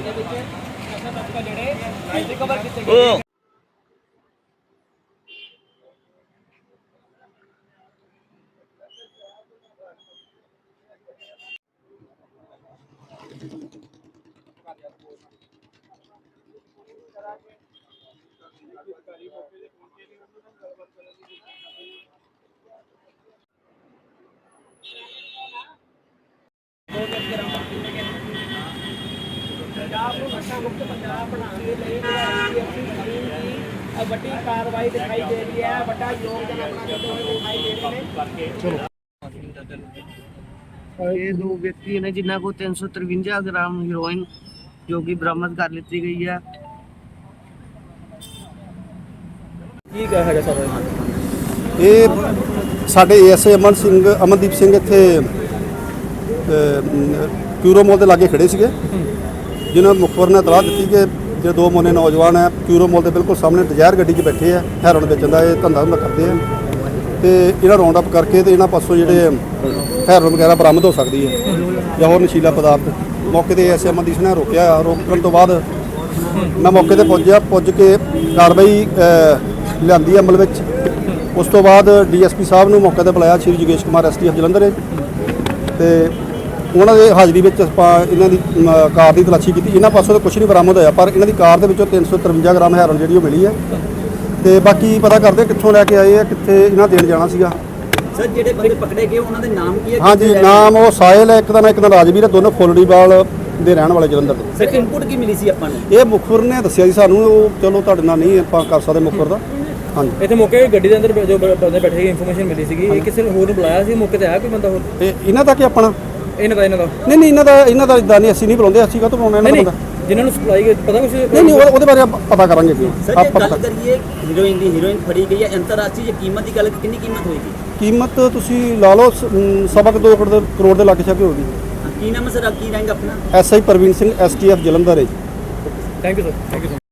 पंजाब को नशा मुक्त पंजाब बनाने ਵੱਡੀ ਕਾਰਵਾਈ ਦਿਖਾਈ ਦੇ ਰਹੀ ਹੈ, ਵੱਡਾ ਯੋਗਦਾਨ ਆਪਣਾ ਦਿੰਦੇ ਹੋਏ ਦਿਖਾਈ ਦੇ ਰਹੇ ਨੇ। ਇਹ ਦੋ ਵਿਅਕਤੀ ਨੇ ਜਿਨ੍ਹਾਂ ਕੋਲ 353 ਗ੍ਰਾਮ ਹੀਰੋਇਨ ਜੋ ਕਿ ਬਰਾਮਦ ਕਰ ਲਿੱਤੀ ਗਈ ਹੈ। ਕੀ ਹੈਗਾ ਸਰ ਇਹ ਸਾਡੇ ਏਐਸਏ ਅਮਨਦੀਪ ਸਿੰਘ ਇੱਥੇ ਕਿਊਰੋ ਮੋਲ ਦੇ ਲਾਗੇ ਖੜੇ ਸੀਗੇ, ਜਿਨ੍ਹਾਂ ਮੁਖਬਰ ਨੇ ਇਤਲਾਹ ਦਿੱਤੀ ਕਿ ਜਿਹੜੇ ਦੋ ਮੋਨੇ ਨੌਜਵਾਨ ਹੈ ਕਿਊਰੋ ਮੋਲ ਦੇ ਬਿਲਕੁਲ ਸਾਹਮਣੇ ਡਿਜ਼ਾਇਰ ਗੱਡੀ 'ਚ ਬੈਠੇ ਆ, ਹੈਰੋਇਨ ਵੇਚਣ ਦਾ ਇਹ ਧੰਦਾ ਕਰਦੇ ਆ ਤੇ ਇਹਨਾਂ ਰਾਉਂਡ ਅਪ ਕਰਕੇ ਤੇ ਇਹਨਾਂ ਪਾਸੋਂ ਜਿਹੜੇ ਹੈਰੋਇਨ ਵਗੈਰਾ ਬਰਾਮਦ ਹੋ ਸਕਦੀ ਹੈ ਜਾਂ ਹੋਰ ਨਸ਼ੀਲਾ ਪਦਾਰਥ। ਮੌਕੇ ਤੇ ਏਐਸਏ ਅਮਨਦੀਪ ਨੇ ਰੋਕਣ ਤੋਂ ਬਾਅਦ ਮੈਂ ਮੌਕੇ ਤੇ ਪੁੱਜ ਕੇ ਕਾਰਵਾਈ ਲਿਆਂਦੀ ਅਮਲ ਵਿੱਚ। ਉਸ ਤੋਂ ਬਾਅਦ ਡੀਐਸਪੀ ਸਾਹਿਬ ਨੂੰ ਮੌਕੇ ਤੇ ਬੁਲਾਇਆ, ਸ਼੍ਰੀ ਜੋਗੇਸ਼ ਕੁਮਾਰ ਐਸਟੀਐਫ ਜਲੰਧਰ, ਤੇ ਉਹਨਾਂ ਦੇ ਹਾਜ਼ਰੀ ਵਿੱਚ ਆਪਾਂ ਇਹਨਾਂ ਦੀ ਕਾਰ ਦੀ ਤਲਾਸ਼ੀ ਕੀਤੀ। ਇਹਨਾਂ ਪਾਸੋਂ ਤਾਂ ਕੁਝ ਨਹੀਂ ਬਰਾਮਦ ਹੋਇਆ, ਪਰ ਇਹਨਾਂ ਦੀ ਕਾਰ ਦੇ ਵਿੱਚੋਂ 353 ਗ੍ਰਾਮ ਹੈਰੋਇਨ ਜਿਹੜੀ ਉਹ ਮਿਲੀ ਹੈ ਤੇ ਬਾਕੀ ਪਤਾ ਕਰਦੇ ਕਿੱਥੋਂ ਲੈ ਕੇ ਆਏ ਆ, ਕਿੱਥੇ ਇਹਨਾਂ ਦੇਣ ਜਾਣਾ ਸੀਗਾ। ਸਰ ਜਿਹੜੇ ਬੰਦੇ ਪਕੜੇ ਗਏ ਉਹਨਾਂ ਦੇ ਨਾਮ ਕੀ ਹੈ? ਹਾਂਜੀ, ਨਾਮ ਉਹ ਸਾਹਿਲ ਹੈ, ਇੱਕ ਦਾ ਰਾਜਵੀਰ ਹੈ, ਦੋਨੋਂ ਫੁੱਲੜੀਵਾਲ ਦੇ ਰਹਿਣ ਵਾਲੇ ਜਲੰਧਰ ਦੇ। ਸਰ ਇਨਪੁਟ ਕੀ ਮਿਲੀ ਸੀ ਆਪਾਂ ਨੂੰ? ਇਹ ਮੁਖਬਰ ਨੇ ਦੱਸਿਆ ਜੀ ਸਾਨੂੰ, ਉਹ ਚਲੋ ਤੁਹਾਡੇ ਨਾਲ ਨਹੀਂ ਆਪਾਂ ਕਰ ਸਕਦੇ ਮੁਖਬਰ ਦਾ। ਹਾਂਜੀ, ਇੱਥੇ ਮੌਕੇ ਗੱਡੀ ਦੇ ਅੰਦਰ ਜੋ ਬੰਦੇ ਬੈਠੇ ਸੀ ਇਨਫੋਰਮੇਸ਼ਨ ਮਿਲੀ ਸੀਗੀ, ਇਹ ਕਿਸੇ ਹੋਰ ਨੂੰ ਬੁਲਾਇਆ ਸੀ? ਮੌਕੇ ਤੇ ਆਇਆ ਕੋਈ ਬੰਦਾ ਹੋਰ? ਇਹਨਾਂ ਦਾ ਕਿ ਆਪਣਾ ਇਹਨਾਂ ਦਾ ਨਹੀਂ ਇਹਨਾਂ ਦਾ ਇਦਾਂ ਨਹੀਂ, ਅਸੀਂ ਨਹੀਂ ਬੁਲਾਉਂਦੇ, ਅਸੀਂ ਕਾਹਤੋਂ ਬੁਲਾਉਣਾ ਇਹਨਾਂ ਦਾ? ਜਿਨ੍ਹਾਂ ਨੂੰ ਸਪਲਾਈ ਪਤਾ ਕੁਝ ਨਹੀਂ ਉਹਦੇ ਬਾਰੇ ਪਤਾ ਕਰਾਂਗੇ ਜੀ। ਸਰ ਜੇ ਗੱਲ ਕਰੀਏ ਹੀਰੋਇਨ ਫੜੀ ਗਈ ਹੈ ਅੰਤਰਰਾਸ਼ਟਰੀ ਕੀਮਤ ਦੀ ਗੱਲ, ਕਿੰਨੀ ਕੀਮਤ ਹੋਏਗੀ? ਕੀਮਤ ਤੁਸੀਂ ਲਾ ਲਓ ਸਵਾ ਕੁ 2 ਕਰੋੜ ਦੇ ਲਾਗੇ ਛਾਗੇ ਹੋਗੀ। ਕੀ ਨਾਮ ਹੈ ਸਰ, ਕੀ ਰੈਂਕ ਆਪਣਾ? ਐਸਆਈ ਪ੍ਰਵੀਨ ਸਿੰਘ ਐਸਟੀਐਫ ਜਲੰਧਰ ਹੈ ਜੀ। Thank you sir.